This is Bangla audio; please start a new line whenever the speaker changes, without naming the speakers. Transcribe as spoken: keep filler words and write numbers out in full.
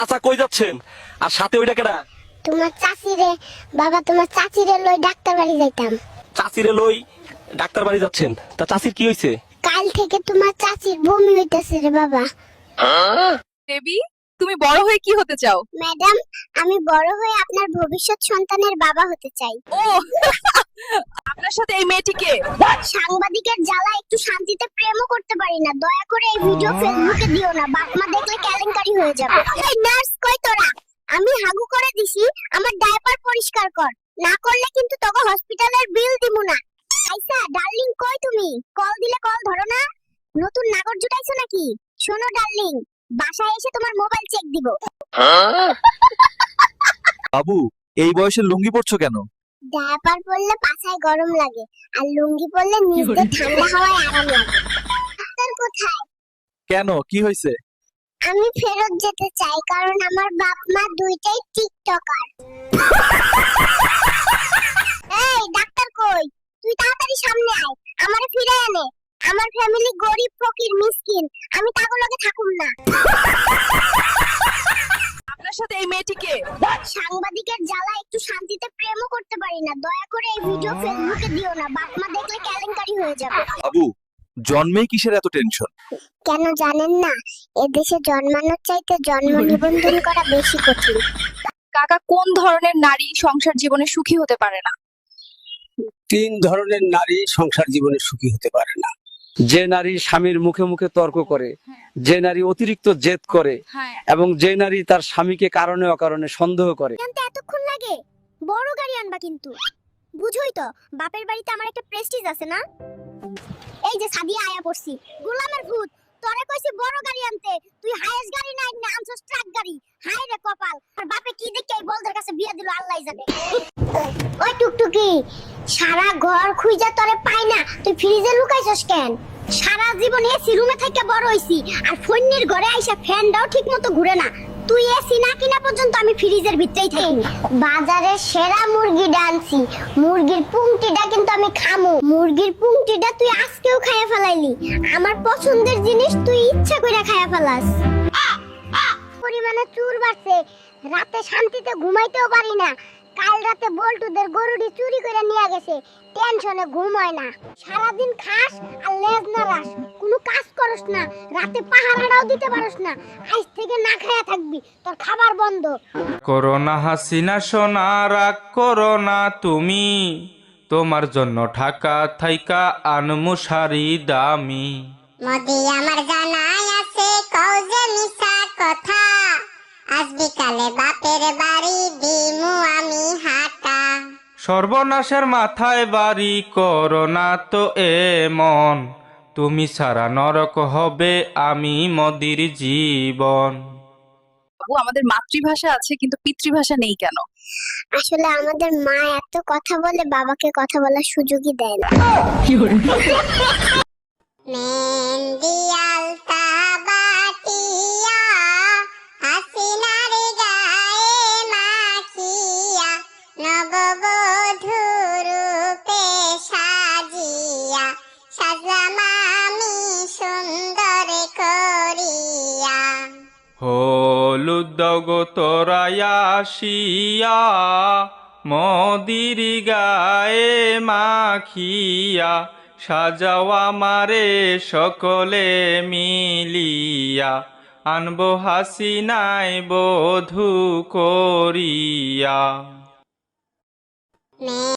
আচ্ছা কই যাচ্ছেন? আর সাথে ওইটা কেডা?
তোমার চাচি রে বাবা, তোমার চাচি রে লই ডাক্তার বাড়ি যাইতাম।
চাচিরে লই ডাক্তার বাড়ি যাচ্ছেন? তা চাচির কি হইছে?
কাল থেকে তোমার চাচির বমি হইতেছে রে বাবা।
বেবি, তুমি বড় হয়ে কি হতে চাও?
ম্যাডাম, আমি বড় হয়ে আপনার ভবিষ্যৎ সন্তানের বাবা হতে চাই।
ও আপনার সাথে এই মেয়েটিকে?
সাংবাদিকের জ্বালা একটু শান্তিতে প্রেমও করতে পারি না। দয়া করে এই ভিডিও ফেসবুকে দিও না, বাপ মা দেখলে কেলেঙ্কারি হয়ে যাবে। এই নার্স কই তোরা? আমি হাগু করে দিছি, আমার ডায়াপার পরিষ্কার কর, না করলে কিন্তু তোকে হসপিটালের বিল দিমু না। আইসা ডার্লিং, কই তুমি? কল দিলে কল ধরো না। নতুন নাগর জুটাইছো নাকি? শোনো ডার্লিং, বাসায় এসে তোমার মোবাইল চেক দিব।
বাবু, এই বয়সে লুঙ্গি পরছো কেন?
ডায়াপার পরলে পাছায় গরম লাগে, আর লুঙ্গি পরলে নিচে ঠান্ডা হাওয়ায় আরাম লাগে। ডাক্তার কোথায়?
কেন, কি হয়েছে?
আমি ফেরত যেতে চাই, কারণ আমার বাপ মা দুইটাই টিকটকার। এই ডাক্তার কই? তুই তাড়াতাড়ি সামনে আয়, আমারে ফিরে এনে। আমার ফ্যামিলি গরিব ফকির মিসকিন, আমি তাগুলোকে থাকুম না।
আপনার সাথে এই মেয়েটিকে?
সাংবাদিকের জ্বালা একটু শান্তিতে প্রেমও করতে পারি না। দয়া করে এই ভিডিও ফেসবুকে দিও না, বাপ মা দেখলে কেলেঙ্কারি হয়ে যাবে।
বাবু, জন্মেই কিসের এত টেনশন?
কেন জানেন না, এদেশে জন্মানোর চাইতে জন্ম নিবন্ধন করা বেশি কঠিন।
কাকা, কোন ধরনের নারী সংসার জীবনে সুখী হতে পারে না?
তিন ধরনের নারী সংসার জীবনে সুখী হতে পারে না।
যে নারী স্বামীর মুখে মুখে তর্ক করে, যে নারী অতিরিক্ত জেদ করে,
হ্যাঁ।
এবং যে নারী তার স্বামীকে কারণে অকারণে সন্দেহ করে।
জানতে এতক্ষণ লাগে? বড় গাড়ি আনবা কিন্তু। বুঝোই তো, বাপের বাড়িতে আমার একটা প্রেস্টিজ আছে না। এই যে সাদিয়া আয়া পড়ছি, গোলামের ভূত। তোরে কইছি বড় গাড়ি আনতে, তুই হাইস গাড়ি না না আনছস ট্রাক গাড়ি। হাই রে কপাল, আর বাপে কি দেখে এই বলদের কাছে বিয়ে দিল আল্লাহই জানে। ওই টুকটুকি, সারা ঘর খুঁজা তোরে পাই না, তুই ফ্রিজে লুকাইছস কেন? সারা জীবন এসি রুমে থেকে বড় হইছি, আর ফোনের ঘরে আইসা ফ্যানটাও ঠিকমতো ঘুরে না। তুই এসি না কিনা পর্যন্ত আমি ফ্রিজের ভিতরেই থাকি। বাজারে সেরা মুরগি ডানছি, মুরগির পুংটিটা কিন্তু আমি খামু। মুরগির পুংটিটা তুই আজকেও খাইয়া ফেলাইলি। আমার পছন্দের জিনিস তুই ইচ্ছা কইরা খাইয়া ফেলাস। পরিমাণে চুর বাড়ছে, রাতে শান্তিতে ঘুমাইতেও পারি না। কাল রাতে বল্টুদের গরুটি চুরি করে নিয়ে গেছে, টেনশনে ঘুম হয় না। সারাদিন খাস আর লেজ নাড়াস, কোনো কাজ করস না, রাতে পাহারাটাও দিতে পারস না। আজ থেকে না খায়া থাকবি, তোর খাবার বন্ধ।
করোনা হাসিনা সোনা, রাগ করোনা তুমি, তোমার জন্য ঢাকা থাইকা আনমু শাড়ি দামি।
মোদি আমার জানাই আছে, কও যে মিছা কথা, আজ বিকালে বাপের বাড়ি দিমু আমি হাঁটা।
সর্বনাশের মাথায় বাড়ি, করোনা তো এমন, তুমি সারা নরক হবে আমি মোদির জীবন।
বাবু, আমাদের মাতৃভাষা আছে কিন্তু পিতৃভাষা নেই কেন?
আসলে আমাদের মা এত কথা বলে, বাবাকে কথা বলার সুযোগই দেয় না। মেহেন্দি আলতা বাটিয়া, হাসিনার গায়ে মাখিয়া, নববধূ রূপে সাজিয়া, সাজলাম আমি সুন্দর করিয়া।
হলুদ দগো তোরায়া আসিয়া, মদির গায়ে মাখিয়া, সাজাও আমারে সকলে মিলিয়া, আনবো হাসিনায় বধূ করিয়া।